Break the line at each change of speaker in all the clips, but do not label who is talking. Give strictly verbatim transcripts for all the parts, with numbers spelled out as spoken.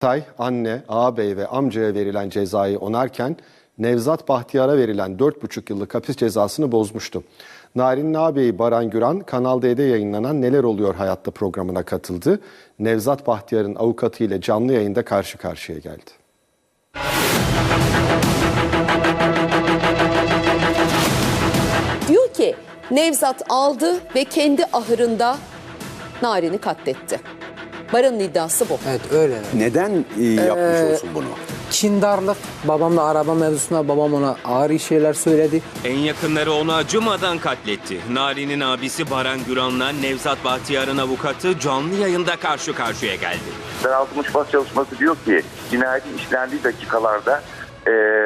Tay, anne, ağabey ve amcaya verilen cezayı onarken Nevzat Bahtiyar'a verilen dört buçuk yıllık hapis cezasını bozmuştu. Narin'in ağabeyi Baran Güran, Kanal D'de yayınlanan Neler Oluyor Hayatta programına katıldı. Nevzat Bahtiyar'ın avukatı ile canlı yayında karşı karşıya geldi.
Diyor ki Nevzat aldı ve kendi ahırında Narin'i katletti. Baran'ın iddiası bu.
Evet öyle.
Neden e, yapmış
Ee,
olsun bunu?
Kindarlık. Babamla araba mevzusunda babam ona ağır şeyler söyledi.
En yakınları onu acımadan katletti. Narin'in abisi Baran Güran'la Nevzat Bahtiyar'ın avukatı canlı yayında karşı karşıya geldi.
Daraltılmış bas çalışması diyor ki cinayetin işlendiği dakikalarda e,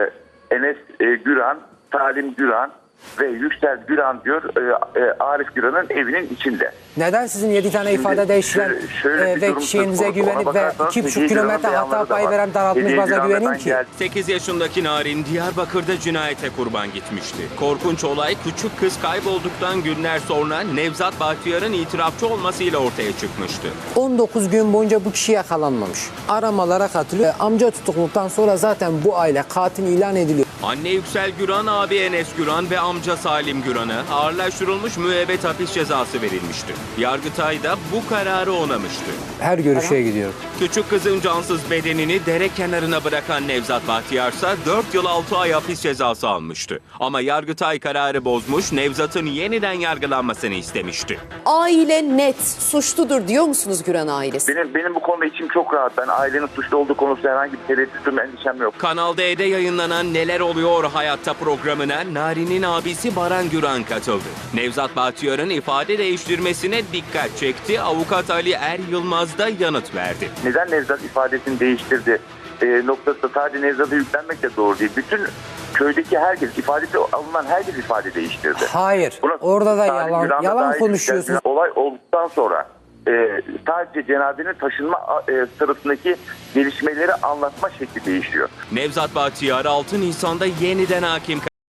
Enes e, Güran, Salim Güran ve Yüksel Güran diyor e, e, Arif Güran'ın evinin içinde.
Neden sizin yedi tane
Şimdi
ifade değiştiren
şöyle- şöyle
e,
bir
ve
durum
kişiliğinize
söz konusu.
güvenip
Ona
ve
bakarsanız
iki buçuk
Hediye
kilometre
Güran'ın
hata
beyanları da
payı
var.
veren daraltmış
Hediye
baza
Güran'da
güvenin
ben
ki?
geldim.
sekiz yaşındaki Narin Diyarbakır'da cinayete kurban gitmişti. Korkunç olay küçük kız kaybolduktan günler sonra Nevzat Bahtiyar'ın itirafçı olmasıyla ortaya çıkmıştı.
on dokuz gün boyunca bu kişi yakalanmamış. Aramalara katılıyor. Amca tutukluktan sonra zaten bu aile katil ilan ediliyor.
Anne Yüksel Güran, abi Enes Güran ve amca Salim Güran'a ağırlaştırılmış müebbet hapis cezası verilmişti. Yargıtay da bu kararı onamıştı.
Her görüşe gidiyorum.
Küçük kızın cansız bedenini dere kenarına bırakan Nevzat Bahtiyar ise dört yıl altı ay hapis cezası almıştı. Ama Yargıtay kararı bozmuş, Nevzat'ın yeniden yargılanmasını istemişti.
Aile net suçludur diyor musunuz Güran ailesi?
Benim benim bu konuda içim çok rahat. Ben ailenin suçlu olduğu konusunda herhangi bir tereddütüm, endişem yok.
Kanal D'de yayınlanan Neler Oluyor Hayatta programına Narin'in abisi Baran Güran katıldı. Nevzat Bahtiyar'ın ifade değiştirmesine dikkat çekti. Avukat Ali Er Yılmaz da yanıt verdi.
Neden Nevzat ifadesini değiştirdi e, noktasında sadece Nevzat'a yüklenmek de doğru değil. Bütün köydeki herkes, ifadesi alınan herkes ifade değiştirdi.
Hayır.
Buna
Orada da
Salim
yalan
Güran'da
yalan
dahil
konuşuyorsunuz.
yüklendiler. Olay olduktan sonra e, sadece cenazenin taşınma e, sırasındaki gelişmeleri anlatma şekli değişiyor.
Nevzat Bahtiyar altı Nisan'da yeniden hakim